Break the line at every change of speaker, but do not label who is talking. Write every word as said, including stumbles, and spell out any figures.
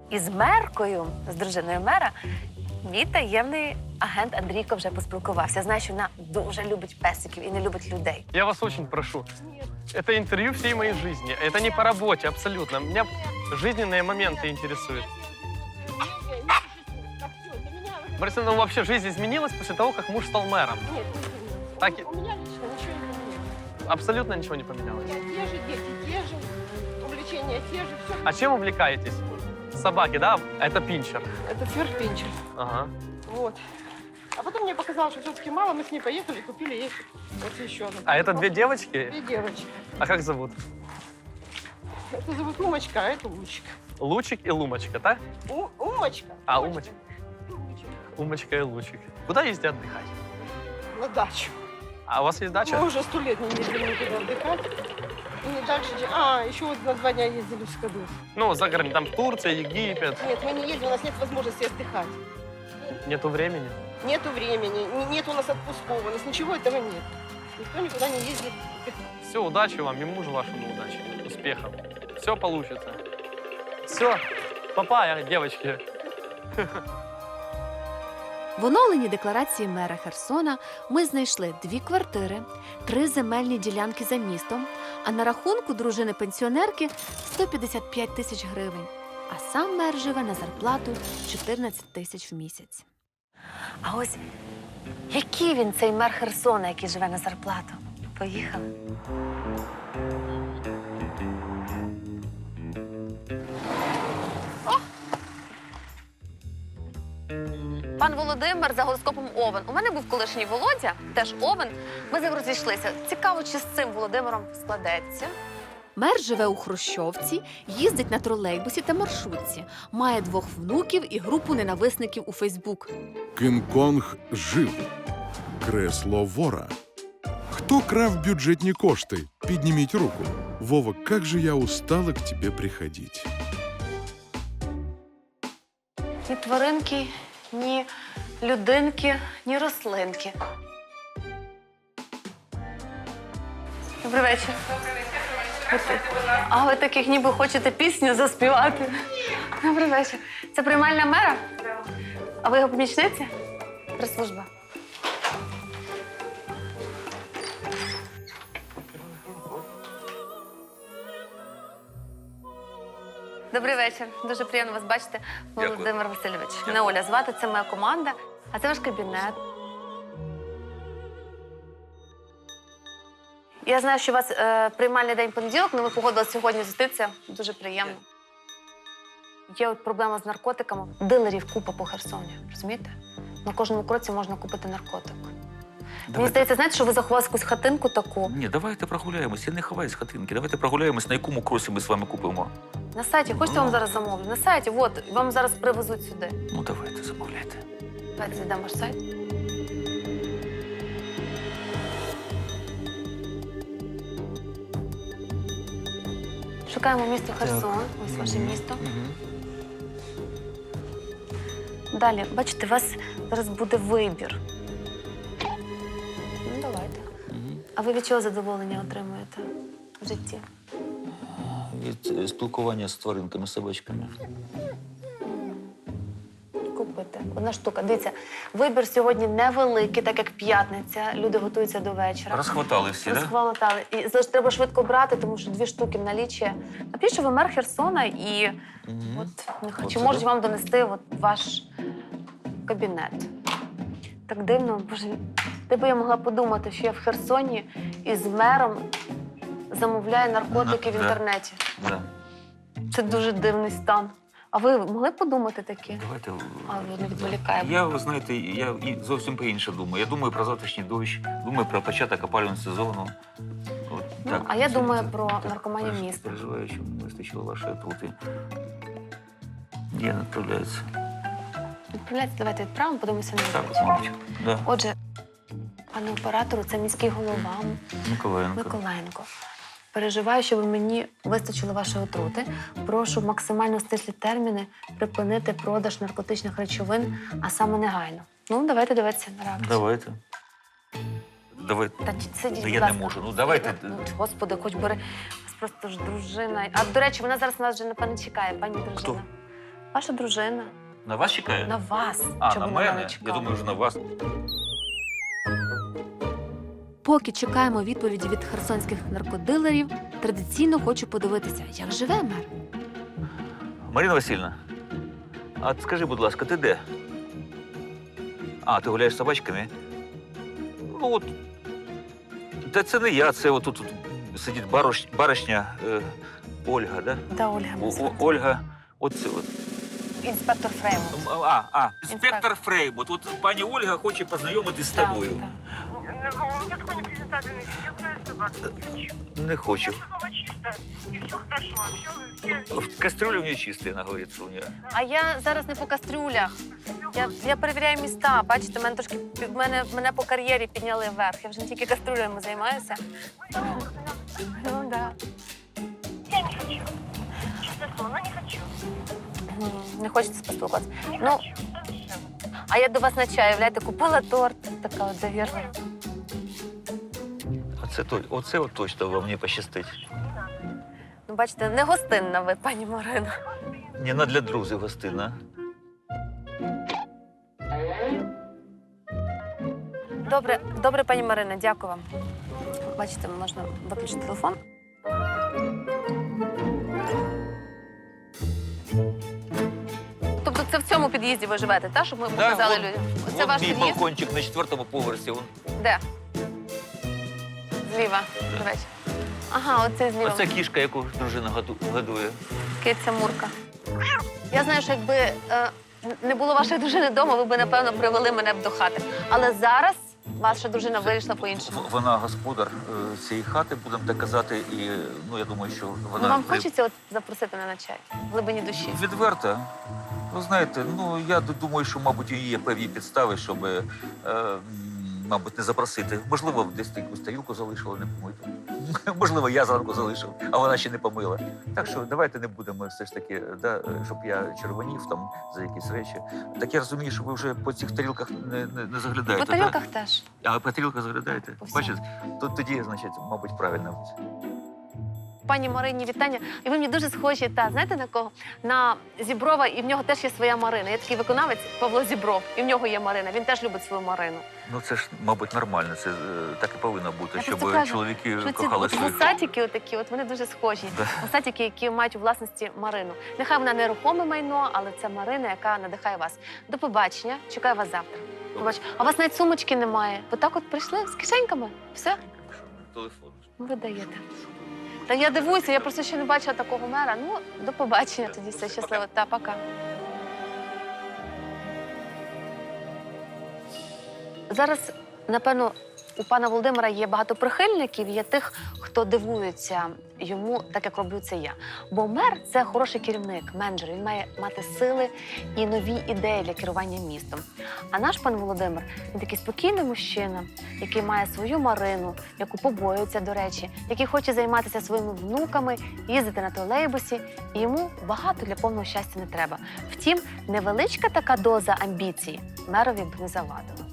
із меркою, з дружиною мера, мій таємний агент Андрійко вже поспілкувався. Знаю, що вона дуже любить песиків і не любить людей.
Я вас очень прошу. Это интервью всей моей жизни. Это не по работе, абсолютно. Меня жизненные моменты интересуют. Марина, ну вообще жизнь изменилась после того, как муж стал мэром?
Нет,
Так и-
у меня лично ничего не меняется.
Абсолютно ничего не поменялось.
Нет, те же дети, те же, увлечения те же, все.
А чем увлекаетесь? Собаки, да? Это пинчер.
Это ферпинчер.
Ага.
Вот. А потом мне показалось, что все-таки мало, мы с ней поехали и купили ей вот еще одну.
А это две девочки?
Две девочки.
А как зовут?
Это зовут Умочка, а это Лучик.
Лучик и Лумочка, да?
У, Умочка.
А,
Умочка.
Умочка и Лучик. Куда ездите отдыхать?
На дачу.
А у вас есть дача?
Мы уже сто лет не ездили никуда отдыхать. И не дальше, чем... А, еще вот на два дня ездили в Скадовск.
Ну, за городом, там Турция, Египет.
Нет, мы не ездим, у нас нет возможности отдыхать.
Нету времени.
Нету времени, не- нет у нас отпусков, у нас ничего этого нет. Никто никуда не ездит.
Все, удачи вам и мужу вашему удачи. Успехов. Все получится. Все. Папа, девочки.
В оновленій декларації мера Херсона ми знайшли дві квартири, три земельні ділянки за містом, а на рахунку дружини-пенсіонерки сто п'ятдесят п'ять тисяч гривень. А сам мер живе на зарплату чотирнадцять тисяч в місяць. А ось який він цей мер Херсона, який живе на зарплату? Поїхали. Пан Володимир за гороскопом Овен. У мене був колишній Володя, теж Овен. Ми з ним розійшлися. Цікаво, чи з цим Володимиром складеться. Мер живе у Хрущовці, їздить на тролейбусі та маршрутці, має двох внуків і групу ненависників у Фейсбук.
Кинг-Конг жив. Кресло вора. Хто крав бюджетні кошти? Підніміть руку. Вова, как же я устала к тебе приходить.
Ні тваринки, ні людинки, ні рослинки. Добрий вечір. Добрий вечір. А ви таких ніби хочете пісню заспівати? Добрий вечір. Це приймальна мера? Так. А ви його помічниця? Прес-служба. Добрий вечір. Дуже приємно вас бачити, Володимир Васильович. Мене Оля звати, це моя команда, а це ваш кабінет. Я знаю, що у вас е, приймальний день понеділок, але ми погодилися сьогодні зустрітися. Дуже приємно. Є от проблема з наркотиками. Дилерів купа по Херсоні, розумієте? На кожному кроці можна купити наркотик. Мені здається, знаєте, що ви заховали якусь хатинку таку.
Ні, давайте прогуляємось. Я не ховаюсь з хатинки. Давайте прогуляємось, на якому кросі ми з вами купимо.
На сайті, хочете, я вам зараз замовлю? На сайті, от, вам зараз привезуть сюди.
Ну, давайте, замовляйте.
Давайте зайдемо ваш сайт. Шукаємо місто Херсон. Ось ваше місто. Далі, бачите, у вас зараз буде вибір. Ну, давайте. А ви від чого задоволення отримуєте в житті?
Від спілкування з тваринками, собачками.
Купити. Одна штука. Дивіться, вибір сьогодні невеликий, так як п'ятниця. Люди готуються до вечора.
Розхватали всі, так?
Розхватали. І завжди треба швидко брати, тому що дві штуки в наліччі. Напишіть, що ви мер Херсона і
Угу.
от, нехай,
От
чи
сюди?
можуть вам донести от ваш кабінет. Так дивно, боже, де би я могла подумати, що я в Херсоні із мером замовляю наркотики
Да,
в
да.
інтернеті.
Да.
Це дуже дивний стан. А ви могли подумати таке?
Давайте.
А, ви не відволікаємо.
Я, ви знаєте, я і зовсім по-інше думаю. Я думаю про завтрашній дощ, думаю про початок опалювального сезону. От,
Ну,
так,
а я
це-
думаю
це-
про
так,
наркоманію
переж-
міста.
Переживаю, що не вистачило вашої отрути. Я не відправляюся.
Відправляйте, давайте відправимо, подивимося на
Так,
вулицю.
мабуть. Да.
Отже, пане оператору, це міський голова
Миколаєнко.
Миколаєнко. Переживаю, щоб мені вистачило вашої отрути. Прошу максимально стислі терміни припинити продаж наркотичних речовин, а саме негайно. Ну, давайте дивитися на реакцію.
Давайте. Давайте.
Та сидіть,
Та
будь
я не
ласка.
можу. Ну, давайте.
Ну, Господи, хоч бери. У вас просто ж дружина. А, до речі, вона зараз нас вже, напевно, чекає, пані дружина.
Хто?
Ваша дружина.
На вас чекає?
На вас.
А,
Чому
на
вона не
мене? Я
чекала?
думаю, що на вас.
Поки чекаємо відповіді від херсонських наркодилерів, традиційно хочу подивитися, як живе мер.
Марина Васильівна, а скажи, будь ласка, ти де? А, ти гуляєш з собачками? Ну от. Та це не я, це отут тут сидить барош, баришня е, Ольга, да?
Да, Ольга.
О, О- Ольга, оце от.
Інспектор Фреймут.
А, а, інспектор
Інспектор.
Фреймут. От пані Ольга хоче познайомитись з тобою.
Я такой непрезентабельный, я знаю, что вас хочу.
Не хочу.
Дома чисто, и все хорошо, все, все.
В кастрюле у нее чистая, она говорит, что у нее.
А я зараз не по кастрюлях. Я, я перевіряю міста. Бачите, мене трошки пі- мене, мене по кар'єрі підняли вверх. Я вже не тільки кастрюлями займаюся. Ну да.
Я не хочу. Честное слово, ну не хочу.
М, Не хочеться поспілкуватися.
Не
Ну,
хочу. Совсем.
а я до вас на чаю, являєте, купила торт. Така от довірна.
Оце, то- оце от точно вам не пощастить.
Ну, бачите, не гостинна ви, пані Марина.
Не на для друзів гостина.
Добре, добре, пані Марина, дякую вам. Бачите, можна виключити телефон. Тобто це в цьому під'їзді ви живете, так? Щоб ми показали
вон-
людям. Це
Вон
ваш
мій
під'їзд?
балкончик на четвертому поверсі. Вон.
Де? Зліва. Добрий вечір. Ага, оце зліва.
Оце кішка, яку дружина году- годує.
Киця Мурка. Я знаю, що якби е, не було вашої дружини вдома, ви б, напевно, привели мене б до хати. Але зараз ваша дружина вирішила по-іншому.
В- Вона господар е, цієї хати, будемо так казати, і ну я думаю, що вона
Ну, вам
не-
хочеться от запросити мене на чай? В глибині душі.
відверта. Ви знаєте, ну я д- думаю, що, мабуть, у її є певні підстави, щоб, е, м, мабуть, не запросити. Можливо, десь якусь тарілку залишила, не помиту. Можливо, я зранку залишив, а вона ще не помила. Так що давайте не будемо все ж таки, да, щоб я червонів там за якісь речі. Так я розумію, що ви вже по цих тарілках не, не, не заглядаєте.
По тарілках теж.
Да? А по тарілках заглядаєте?
По всьому.
Бачите, то тоді, значить, мабуть, правильно.
Пані Марині, вітання. І ви мені дуже схожі, та знаєте на кого? На Зіброва, і в нього теж є своя Марина. Є такий виконавець Павло Зібров, і в нього є Марина. Він теж любить свою Марину.
Ну це ж, мабуть, нормально. Це е, так і повинно бути,
Я
щоб
просто кажу,
чоловіки
Що ці
кохали
от
своїх.
вусатики отакі, от вони дуже схожі.
Да.
Вусатики, які мають у власності Марину. Нехай вона нерухоме майно, але це Марина, яка надихає вас. До побачення. Чекаю вас завтра. Побач. А у вас навіть сумочки немає. Ви так от прийшли з кишеньками? Все?
Телефон.
Ну, ви даєте. Та я дивуюся, я просто ще не бачила такого мера. Ну, до побачення тоді, все щасливо. Та, пока. Зараз, напевно, у пана Володимира є багато прихильників, є тих, хто дивується йому, так як роблю це я. Бо мер – це хороший керівник, менеджер. Він має мати сили і нові ідеї для керування містом. А наш пан Володимир – він такий спокійний мужчина, який має свою Марину, яку побоюється, до речі, який хоче займатися своїми внуками, їздити на тролейбусі, і йому багато для повного щастя не треба. Втім, невеличка така доза амбіції мерові б не завадила.